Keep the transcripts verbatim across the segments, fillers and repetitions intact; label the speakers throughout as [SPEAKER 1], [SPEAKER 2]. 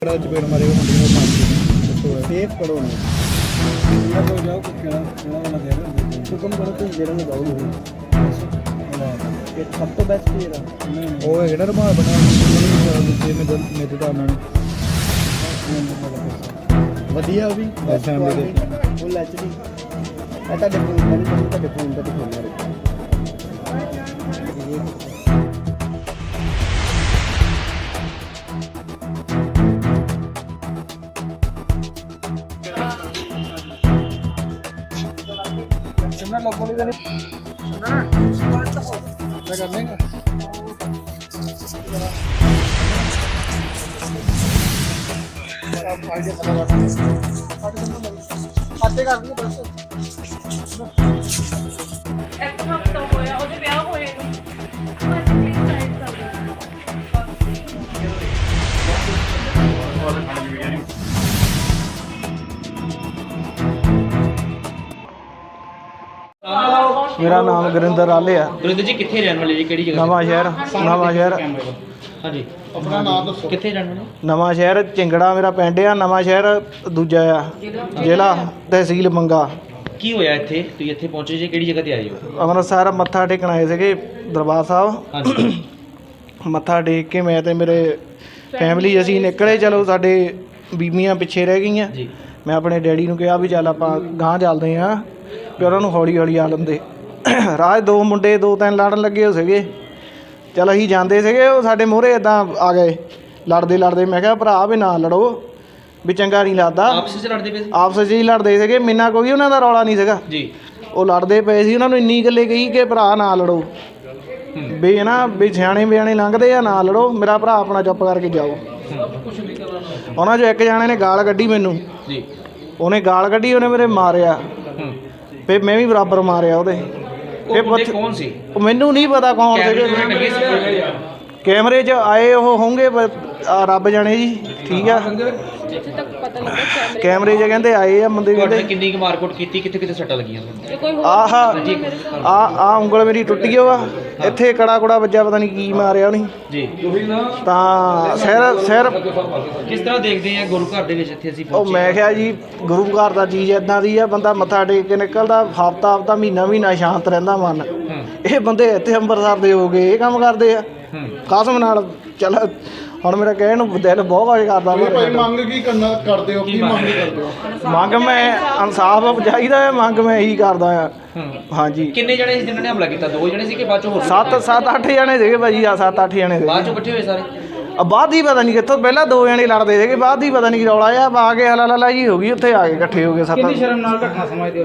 [SPEAKER 1] चपेड़ मारेगा
[SPEAKER 2] सेफ करो जाओ हुक्म करो तुम जेरा में जाओ सब तो बेस्ट जेरा
[SPEAKER 1] ਉਹ ਹੈਗਾ ਨਾ ਰਮਾਲ ਬਣਿਆ ਦੂਜੇ ਮੇਰੇ ਮੇਰੇ ਦਾ ਉਹਨਾਂ ਨੇ
[SPEAKER 2] ਵਧੀਆ ਵੀ
[SPEAKER 1] ਫੈਮਿਲੀ ਦੇ
[SPEAKER 2] ਫੁੱਲ ਐਚਡੀ ਇਹ ਤੁਹਾਡੇ ਫੋਨ ਦਾ ਨਹੀਂ ਤੁਹਾਡੇ ਫੋਨ ਦਾ ਦਿਖਾਉਣਾ
[SPEAKER 1] लोगों ने क्या करने का खाते कर दिए बस
[SPEAKER 3] एक हफ्ता होया ਉਹਦੇ ਵਿਆਹ ਹੋਏ ਨੂੰ
[SPEAKER 1] मेरा नाम गुरिंदर आले है।
[SPEAKER 4] गुरिंदर जी कितने रहने वाले जी केड़ी जगह
[SPEAKER 1] नवा शहर नवा शहर
[SPEAKER 4] हाँ जी अपना नाम दसो कितने रहने वाले
[SPEAKER 1] नवा शहर चिंगड़ा मेरा पिंड आ नवा शहर दूजा आ जिला तहसील मंगा
[SPEAKER 4] की होया इत्थे तुसीं इत्थे पहुंचे जी केड़ी जगह ते आए हो
[SPEAKER 1] ਅੰਮ੍ਰਿਤਸਰ ਮੱਥਾ ਟੇਕਣ ਆਏ ਸੀਗੇ ਦਰਬਾਰ ਸਾਹਿਬ
[SPEAKER 4] हाँ जी
[SPEAKER 1] ਮੱਥਾ ਟੇਕ ਕੇ ਮੈਂ ਤੇ ਮੇਰੇ ਫੈਮਿਲੀ ਅਸੀਂ ਨਿਕਲੇ ਚਲੋ ਸਾਡੇ ਬੀਬੀਆਂ ਪਿੱਛੇ ਰਹਿ ਗਈਆਂ
[SPEAKER 4] जी
[SPEAKER 1] ਮੈਂ ਆਪਣੇ ਡੈਡੀ ਨੂੰ ਕਿਹਾ ਵੀ ਚੱਲ ਆਪਾਂ ਗਾਂਹ ਚੱਲਦੇ ਹਾਂ ਵੀ ਉਹਨਾਂ ਨੂੰ ਹੌਲੀ ਹੌਲੀ ਆ ਲੰਦੇ ਰਾਜ ਦੋ ਮੁੰਡੇ ਦੋ ਤਿੰਨ ਲੜਨ ਲੱਗੇ ਹੋ ਸੀਗੇ ਚਲ ਅਸੀਂ ਜਾਂਦੇ ਸੀਗੇ ਉਹ ਸਾਡੇ ਮੂਹਰੇ ਇਦਾਂ ਆ ਗਏ ਲੜਦੇ ਲੜਦੇ ਮੈਂ ਕਿਹਾ ਭਰਾ ਵੀ ਨਾ ਲੜੋ ਵੀ ਚੰਗਾ ਨਹੀਂ ਲੱਗਦਾ
[SPEAKER 4] आपस में लड़ते पे
[SPEAKER 1] ਆਪਸ 'ਚ ਹੀ ਲੜਦੇ ਸੀਗੇ ਮੈਨਾਂ ਕੋਈ ਉਹਨਾਂ ਦਾ ਰੌਲਾ ਨਹੀਂ ਸੀਗਾ
[SPEAKER 4] जी
[SPEAKER 1] ਉਹ ਲੜਦੇ ਪਏ ਸੀ ਉਹਨਾਂ ਨੂੰ ਇੰਨੀ ਗੱਲੇ ਕਹੀ ਕਿ ਭਰਾ ਨਾ ਲੜੋ ਵੀ ਹੈ ਨਾ ਵੀ ਸਿਆਣੇ ਬਿਆਣੇ ਲੰਘਦੇ ਆ ਨਾ ਲੜੋ ਮੇਰਾ ਭਰਾ ਆਪਣਾ ਚੁੱਪ ਕਰਕੇ ਜਾਓ ਉਹਨਾਂ 'ਚੋਂ ਇੱਕ ਜਾਣੇ ਨੇ ਗਾਲ ਕੱਢੀ ਮੈਨੂੰ
[SPEAKER 4] जी
[SPEAKER 1] ਉਹਨੇ ਗਾਲ ਕੱਢੀ ਉਹਨੇ ਮੇਰੇ ਮਾਰਿਆ ਫਿਰ ਮੈਂ ਵੀ ਬਰਾਬਰ ਮਾਰਿਆ ਉਹਦੇ
[SPEAKER 4] वो बंदे कौन सी
[SPEAKER 1] ਉਹ ਮੈਨੂੰ ਨਹੀਂ ਪਤਾ ਕੌਣ ਸੀਗੇ ਕੈਮਰੇ 'ਚ ਆਏ ਉਹ ਹੋਣਗੇ ਬ- ਆ ਰੱਬ ਜਾਣੇ ਜੀ ਠੀਕ ਆ
[SPEAKER 3] ਜਿੱਥੇ ਤੱਕ ਪਤਾ ਲੱਗਾ ਕੈਮਰੇ
[SPEAKER 1] ਕੈਮਰੇ 'ਚ ਕਹਿੰਦੇ ਆਏ ਆ ਬੰਦੇ
[SPEAKER 4] ਤੁਹਾਡੇ
[SPEAKER 1] ਕਹਿੰਦੇ
[SPEAKER 4] ਕਿੰਨੀ ਕੁ ਮਾਰਕੁੱਟ ਕੀਤੀ ਕਿੱਥੇ ਕਿੱਥੇ ਸੱਟਾਂ ਲੱਗੀਆਂ ਤੁਹਾਨੂੰ
[SPEAKER 3] ਜੇ ਕੋਈ ਹੋਰ
[SPEAKER 1] ਆਹ ਆ ਆ ਉਂਗਲ ਮੇਰੀ ਟੁੱਟ ਗਈ ਵਾ ਇੱਥੇ ਕੜਾ ਕੁੜਾ ਵੱਜਾ ਪਤਾ ਨਹੀਂ ਕੀ ਮਾਰਿਆ ਉਹਨੇ
[SPEAKER 4] ਜੀ
[SPEAKER 1] ਤਾਂ ਸਿਰ ਸਿਰ
[SPEAKER 4] ਕਿਸ ਤਰ੍ਹਾਂ ਦੇਖਦੇ ਆ ਗੁਰੂ ਘਰ ਦੇ ਵਿੱਚ ਇੱਥੇ ਅਸੀਂ
[SPEAKER 1] ਉਹ
[SPEAKER 4] ਪਹੁੰਚੇ
[SPEAKER 1] ਮੈਂ ਕਿਹਾ ਜੀ ਗੁਰੂ ਘਰ ਦਾ ਚੀਜ਼ ਇਦਾਂ ਦੀ ਆ ਬੰਦਾ ਮੱਥਾ ਟੇਕ ਕੇ ਨਿਕਲਦਾ ਹਫਤਾ ਹਫਤਾ ਮਹੀਨਾ ਮਹੀਨਾ ਸ਼ਾਂਤ ਰਹਿੰਦਾ ਮਨ
[SPEAKER 4] ਹੂੰ
[SPEAKER 1] ਇਹ ਬੰਦੇ ਇੱਥੇ ਅੰਮ੍ਰਿਤਸਰ ਦੇ ਹੋ ਗਏ ਇਹ ਕੰਮ ਕਰਦੇ ਆ
[SPEAKER 4] ਹੂੰ
[SPEAKER 1] ਕਸਮ ਨਾਲ ਚੱਲ ਹੁਣ ਮੇਰਾ ਕਹਿਣ ਨੂੰ ਦਿਲ ਬਹੁਤ ਕੁਝ ਕਰਦਾ
[SPEAKER 5] ਭਾਈ ਮੰਗ ਕੀ ਕਰਨਾ ਕਰਦੇ ਹੋ ਕੀ ਮੰਗ ਕਰਦੇ ਹੋ
[SPEAKER 1] ਮੰਗ ਮੈਂ ਇਨਸਾਫ ਚਾਹੀਦਾ ਹੈ ਮੰਗ ਮੈਂ ਇਹੀ ਕਰਦਾ ਆ
[SPEAKER 4] ਹੂੰ
[SPEAKER 1] ਹਾਂਜੀ
[SPEAKER 4] ਕਿੰਨੇ ਜਣੇ ਸੀ ਜਿਨ੍ਹਾਂ ਨੇ ਹਮਲਾ ਕੀਤਾ ਦੋ ਜਣੇ ਸੀ ਕਿ ਬਾਅਦ ਚੋਂ ਹੋਰ
[SPEAKER 1] ਸੱਤ ਸੱਤ ਅੱਠ ਜਣੇ ਸੀਗੇ ਭਾਜੀ ਆ ਸੱਤ ਅੱਠ ਜਣੇ
[SPEAKER 4] ਬਾਅਦ
[SPEAKER 1] ਸੀਗੇ
[SPEAKER 4] ਚੋਂ ਇਕੱਠੇ ਹੋਏ ਸਾਰੇ
[SPEAKER 1] ਆ ਬਾਅਦ ਹੀ ਪਤਾ ਨਹੀਂ ਕਿੱਥੋਂ ਪਹਿਲਾਂ ਦੋ ਜਣੇ ਲੜਦੇ ਸੀਗੇ ਬਾਅਦ ਹੀ ਪਤਾ ਨਹੀਂ ਕੀ ਰੌਲਾ ਆ ਆ ਕੇ ਹਲਾ ਲਾ ਜੀ ਹੋ ਗਈ ਉੱਥੇ ਆ ਕੇ ਇਕੱਠੇ ਹੋ ਗਏ ਸੱਤ ਕਿੰਨੀ ਸ਼ਰਮ ਨਾਲ ਘਟਨਾ ਸਮਝਦੇ ਹੋ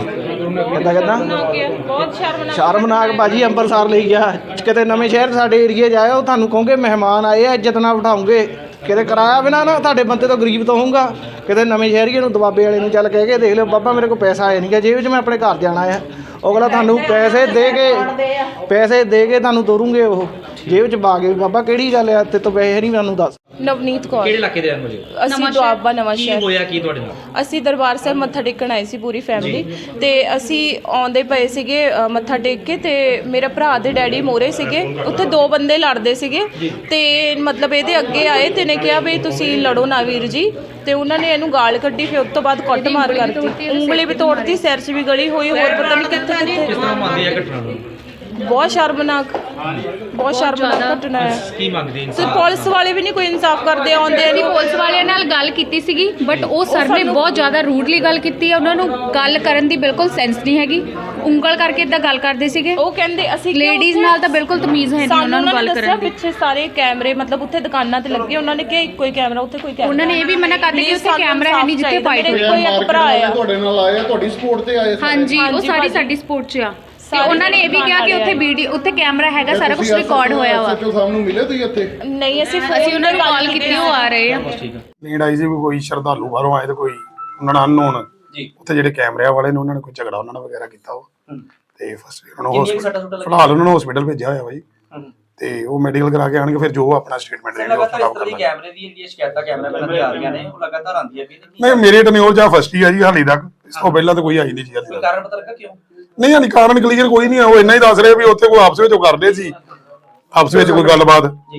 [SPEAKER 1] ਕਿੱਦਾਂ ਕਿੱਦਾਂ
[SPEAKER 3] ਬਹੁਤ ਸ਼ਰਮਨਾਕ
[SPEAKER 1] ਸ਼ਰਮਨਾਕ ਭਾਜੀ ਅੰਮ੍ਰਿਤਸਰ ਲਈ ਗਿਆ ਕਿਤੇ ਨਵੇਂ ਸ਼ਹਿਰ ਸਾਡੇ ਏਰੀਏ 'ਚ ਆਇਓ ਤੁਹਾਨੂੰ ਕਹੋਗੇ ਮਹਿਮਾਨ ਆਏ ਆ ਇੱਜ਼ਤ ਨਾਲ ਬਿਠਾਉਂਗੇ ਕਿਤੇ ਕਰਾਇਆ ਬਿਨਾ ਨਾ ਤੁਹਾਡੇ ਬੰਦੇ ਤੋਂ ਗਰੀਬ ਤੋਂ ਹੋਊਗਾ ਕਿਤੇ ਨਵੇਂ ਸ਼ਹਿਰੀਏ ਨੂੰ ਦਬਾਬੇ ਵਾਲੇ ਨੂੰ ਚੱਲ ਕਹਿ ਕੇ ਦੇਖ ਲਿਓ ਬਾਬਾ ਮੇਰੇ ਕੋਲ ਪੈਸਾ ਆਇਆ ਨਹੀਂ ਗਾ ਜੇਬ 'ਚ ਮੈਂ ਆਪਣੇ ਘਰ ਜਾਣਾ ਆ ਅਗਲਾ ਤੁਹਾਨੂੰ ਪੈਸੇ ਦੇ ਕੇ ਪੈਸੇ ਦੇ ਕੇ ਤੁਹਾਨੂੰ ਤੋਰੂਗੇ ਉਹ ਜੇਬ 'ਚ ਪਾ ਕੇ ਬਾਬਾ ਕਿਹੜੀ ਗੱਲ ਆ ਤੇ ਤੋਂ ਪੈਸੇ ਨਹੀਂ ਮੈਨੂੰ ਦੱਸ
[SPEAKER 3] ਨਵਨੀਤ ਕੌਰ
[SPEAKER 4] ਕਿਹੜੇ ਇਲਾਕੇ ਦੇ ਰਹਿਣ ਵਾਲੇ ਹੋ
[SPEAKER 3] ਅਸੀਂ ਦੁਆਬਾ ਨਵਾਂ
[SPEAKER 4] ਕੀ
[SPEAKER 3] ਸ਼ਹਿਰ
[SPEAKER 4] ਹੋਇਆ ਕੀ ਤੁਹਾਡੇ ਨਾਲ
[SPEAKER 3] ਅਸੀਂ ਦਰਬਾਰ ਸਾਹਿਬ ਮੱਥਾ ਟੇਕਣ ਆਏ ਸੀ ਪੂਰੀ ਫੈਮਿਲੀ ਤੇ ਅਸੀਂ ਆਉਂਦੇ ਪਏ ਸੀਗੇ ਅ, ਮੱਥਾ ਟੇਕ ਕੇ ਤੇ ਮੇਰੇ ਭਰਾ ਦੇ ਡੈਡੀ ਮੋਰੇ ਸੀਗੇ ਉੱਥੇ ਦੋ ਬੰਦੇ ਲੜਦੇ ਸੀਗੇ ਤੇ ਮਤਲਬ ਇਹਦੇ ਅੱਗੇ ਆਏ ਤੇ ਨੇ ਕਿਹਾ ਵੀ ਤੁਸੀਂ ਲੜੋ ਨਾ ਵੀਰ ਜੀ ਤੇ ਉਹਨਾਂ ਨੇ ਇਹਨੂੰ ਗਾਲ ਕੱਢੀ ਫਿਰ ਉਸ ਤੋਂ ਬਾਅਦ ਕੱਟ ਮਾਰ ਕਰਤੀ ਉਂਗਲੀ ਵੀ ਤੋੜਤੀ ਸਿਰ 'ਚ ਵੀ ਗਲੀ ਹੋਈ ਹੋਰ ਪਤਾ ਨਹੀਂ ਕਿੱਥੇ ਕਿੱਥੇ
[SPEAKER 4] ਕਿਸ ਤਰ੍ਹਾਂ ਮੰਨਦੇ ਆ ਘਟਨਾ ਨੂੰ
[SPEAKER 3] ਬਹੁਤ ਸ਼ਰਮਨਾਕ ਬਹੁਤ ਸ਼ਰਮਨਾਕ ਘਟਨਾ ਹੈ
[SPEAKER 4] ਕੀ ਮੰਗਦੇ
[SPEAKER 3] ਤੇ
[SPEAKER 4] ਇਨਸਾਨ
[SPEAKER 3] ਪੁਲਿਸ ਵਾਲੇ ਵੀ ਨਹੀਂ ਕੋਈ ਇਨਸਾਫ ਕਰਦੇ ਆਉਂਦੇ
[SPEAKER 6] ਅਸੀਂ
[SPEAKER 3] ਨਹੀਂ
[SPEAKER 6] ਪੁਲਿਸ ਵਾਲਿਆਂ ਨਾਲ ਗੱਲ ਕੀਤੀ ਸੀਗੀ ਬਟ ਉਹ ਸਰ ਨੇ ਬਹੁਤ ਜ਼ਿਆਦਾ ਰੂਡਲੀ ਗੱਲ ਕੀਤੀ ਹੈ ਉਹਨਾਂ ਨੂੰ ਗੱਲ ਕਰਨ ਦੀ ਬਿਲਕੁਲ ਸੈਂਸ ਨਹੀਂ ਹੈਗੀ ਉਂਗਲ ਕਰਕੇ ਇਦਾਂ ਗੱਲ ਕਰਦੇ ਸੀਗੇ
[SPEAKER 3] ਉਹ ਕਹਿੰਦੇ ਅਸੀਂ ਕਿਉਂ
[SPEAKER 6] ਲੇਡੀਜ਼
[SPEAKER 3] ਉੱਥੇ-
[SPEAKER 6] ਨਾਲ ਤਾਂ ਬਿਲਕੁਲ ਤਮੀਜ਼ ਹੈ ਨਹੀਂ
[SPEAKER 3] ਸਾਨੂੰ
[SPEAKER 6] ਉਹਨਾਂ ਨੂੰ ਗੱਲ
[SPEAKER 3] ਦੱਸਿਆ
[SPEAKER 6] ਕਰਨ ਦੀ
[SPEAKER 3] ਪਿੱਛੇ ਸਾਰੇ ਕੈਮਰੇ ਮਤਲਬ ਉੱਥੇ ਦੁਕਾਨਾਂ ਤੇ ਲੱਗੇ ਉਹਨਾਂ ਨੇ ਕਿਹਾ ਇੱਕੋ ਹੀ ਕੈਮਰਾ ਉੱਥੇ ਕੋਈ ਕੈਮਰਾ
[SPEAKER 6] ਉਹਨਾਂ ਨੇ ਇਹ ਵੀ ਮਨਾ ਕਰ ਦਿੱਤਾ ਕਿ ਉੱਥੇ
[SPEAKER 3] ਸਾਨੂੰ
[SPEAKER 6] ਕੈਮਰਾ ਹੈ ਨਹੀਂ ਜਿੱਥੇ
[SPEAKER 3] ਚਾਹੀਦਾ।
[SPEAKER 6] ਫਾਈਟ
[SPEAKER 3] ਮੇਰੇ
[SPEAKER 6] ਹੋਈ
[SPEAKER 3] ਕੋਈ ਇੱਕ
[SPEAKER 5] ਮਾਰਕੀਟ
[SPEAKER 3] ਭਰਾ
[SPEAKER 5] ਵਾਲੇ
[SPEAKER 3] ਆ
[SPEAKER 5] ਤੁਹਾਡੇ ਨਾਲ ਆਏ ਆ ਤੁਹਾਡੀ ਸਪੋਰਟ ਤੇ ਆਏ ਸਾਰੇ?
[SPEAKER 6] ਹਾਂਜੀ ਉਹ
[SPEAKER 3] ਹਾਂਜੀ
[SPEAKER 6] ਸਾਡੀ
[SPEAKER 3] ਭਾਜੀ।
[SPEAKER 6] ਸਾਡੀ ਸਪੋਰਟ 'ਚ ਆ ਤੇ
[SPEAKER 3] ਸਾਰੇ
[SPEAKER 6] ਉਹਨਾਂ ਨੇ ਇਹ ਵੀ ਕਿਹਾ ਕਿ ਉੱਥੇ ਵੀਡੀਓ ਉੱਥੇ ਕੈਮਰਾ ਹੈਗਾ ਸਾਰਾ ਕੁਝ ਰਿਕਾਰਡ ਹੋਇਆ ਵਾ
[SPEAKER 5] ਸੱਚੋ ਸਾਹਿਬ ਨੂੰ ਮਿਲੇ ਤੁਸੀਂ ਇੱਥੇ
[SPEAKER 3] ਨਹੀਂ ਅਸੀਂ
[SPEAKER 6] ਅਸੀਂ ਉਹਨਾਂ ਨੂੰ ਕਾਲ ਕੀਤੀ ਉਹ ਆ ਰਹੇ ਆ
[SPEAKER 4] ਠੀਕ ਆ
[SPEAKER 7] ਨੀਂਦ ਆਈ ਸੀ ਵੀ ਕੋਈ ਸ਼ਰਧਾਲੂ ਬਾਹਰੋਂ ਆਏ ਤੇ ਕੋਈ ਉਹਨਾਂ ਨਾਲ ਅਨਨੋਨ
[SPEAKER 4] ਜੀ
[SPEAKER 7] ਉੱਥੇ ਜਿਹੜੇ ਕੈਮਰਿਆਂ ਵਾਲੇ ਨੇ ਉਹਨਾਂ ਨੇ ਕੋਈ ਝਗੜਾ ਉਹਨਾਂ ਨਾਲ ਵਗੈਰਾ ਕੀਤਾ ਉਹ ਤੇ ਫਸਟ ਉਹਨਾਂ ਨੂੰ
[SPEAKER 4] ਕਿੰਨੀਆਂ ਕੁ ਸੱਟਾਂ
[SPEAKER 7] hospital-
[SPEAKER 4] ਸੁੱਟਾਂ
[SPEAKER 7] ਫਿਲਹਾਲ ਉਹਨਾਂ ਨੂੰ ਹਸਪੀਟਲ ਭੇਜਿਆ ਹੋਇਆ ਬਾਈ
[SPEAKER 4] ਹੂੰ
[SPEAKER 7] ਤੇ ਉਹ ਮੈਡੀਕਲ ਕਰਾ ਕੇ ਆਣਗੇ ਫਿਰ ਜੋ ਆਪਣਾ ਸਟੇਟਮੈਂਟ ਦੇਣਗੇ ਉਹ
[SPEAKER 4] ਲਗਾਤਾਰ ਇਸ
[SPEAKER 7] ਖਰਾਬ
[SPEAKER 4] ਤਰ੍ਹਾਂ ਦੀ
[SPEAKER 7] ਕਰਨਾ
[SPEAKER 4] ਕੈਮਰੇ ਦੀ ਜਿਹੜੀ ਸ਼ਿਕਾਇਤਾਂ ਕੈਮਰਾਮੈਨਾਂ ਦੀ ਆ ਰਹੀਆਂ ਨੇ ਉਹ ਲਗਾਤਾਰ ਆਉਂਦੀਆਂ ਵੀ ਨੇ
[SPEAKER 7] ਨਹੀਂ ਮੇਰੇ ਟਨਿਓਰ ਜਾਂ ਫਸਟ ਹੀ ਆ ਜੀ ਹਾਲੇ ਤੱਕ ਇਸ ਤੋਂ ਪਹਿਲਾਂ ਤਾਂ ਕੋਈ ਆਈ ਨਹੀਂ ਜੀ ਹਾਲੇ
[SPEAKER 4] ਕੋਈ
[SPEAKER 7] ਤੱਕ
[SPEAKER 4] ਕਾਰਨ ਪਤਾ ਲੱਗਾ ਕਿਉਂ
[SPEAKER 7] ਨਹੀਂ ਹਾਲੇ ਕਾਰਨ ਕਲੀਅਰ ਕੋਈ ਨਹੀਂ ਆ ਉਹ ਇੰਨਾ ਹੀ ਦੱਸ ਰਹੇ ਵੀ ਉੱਥੇ ਕੋਈ ਆਪਸ ਵਿੱਚ ਉਹ ਕਰਦੇ ਸੀ ਆਪਸ ਵਿੱਚ ਕੋਈ ਗੱਲਬਾਤ
[SPEAKER 4] ਜੀ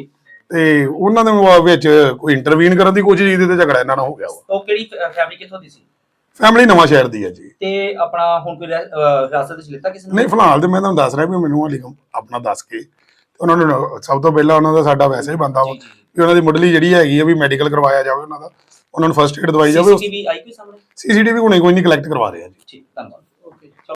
[SPEAKER 7] ਤੇ ਉਹਨਾਂ ਦੇ ਵਿੱਚ ਕੋਈ ਇੰਟਰਵੀਨ ਕਰਨ ਦੀ ਕੋਸ਼ਿਸ਼ ਕੀਤੀ ਤੇ ਝਗੜਾ ਇਹਨਾਂ ਨਾਲ ਹੋ ਗਿਆ ਵਾ।
[SPEAKER 4] ਉਹ ਕਿਹੜੀ ਫੈਮਿਲੀ ਕਿੱਥੋਂ ਦੀ ਸੀ?
[SPEAKER 7] ਫੈਮਿਲੀ ਨਵਾਂ ਸ਼ਹਿਰ ਦੀ ਹੈ ਜੀ।
[SPEAKER 4] ਤੇ ਆਪਣਾ ਹੁਣ ਕੋਈ ਰਹਿ- ਅਹ ਹਿਰਾਸਤ ਵਿੱਚ ਲਿੱਤਾ ਕਿਸੇ ਨੇ?
[SPEAKER 7] ਨਹੀਂ ਫਿਲਹਾਲ ਤੇ ਮੈਂ ਤੁਹਾਨੂੰ ਦੱਸ ਰਿਹਾ ਵੀ ਮੈਨੂੰ ਹਾਲੇ ਆਪਣਾ ਦੱਸ ਕੇ ਉਹਨਾਂ ਨੂੰ ਸਭ ਤੋਂ ਪਹਿਲਾਂ ਉਹਨਾਂ ਦਾ ਸਾਡਾ ਵੈਸੇ ਹੀ ਬੰਦਾ ਵਾ ਵੀ ਉਹਨਾਂ ਦੀ ਮੁੱਢਲੀ ਜਿਹੜੀ ਹੈਗੀ ਆ ਵੀ ਮੈਡੀਕਲ ਕਰਵਾਇਆ ਜਾਵੇ ਉਹਨਾਂ ਦਾ, ਉਹਨਾਂ ਨੂੰ ਫਸਟ ਏਡ ਦਵਾਈ ਜਾਵੇ।
[SPEAKER 4] ਸੀਸੀਟੀਵੀ ਆਈ ਕੋਈ ਸਾਹਮਣੇ?
[SPEAKER 7] ਸੀਸੀਟੀਵੀ ਹੁਣੇ ਕੋਈ ਨਹੀਂ ਕਲੈਕਟ ਕਰਵਾ ਰਹੇ ਆ ਜੀ।
[SPEAKER 4] ਠੀਕ, ਧੰਨਵਾਦ।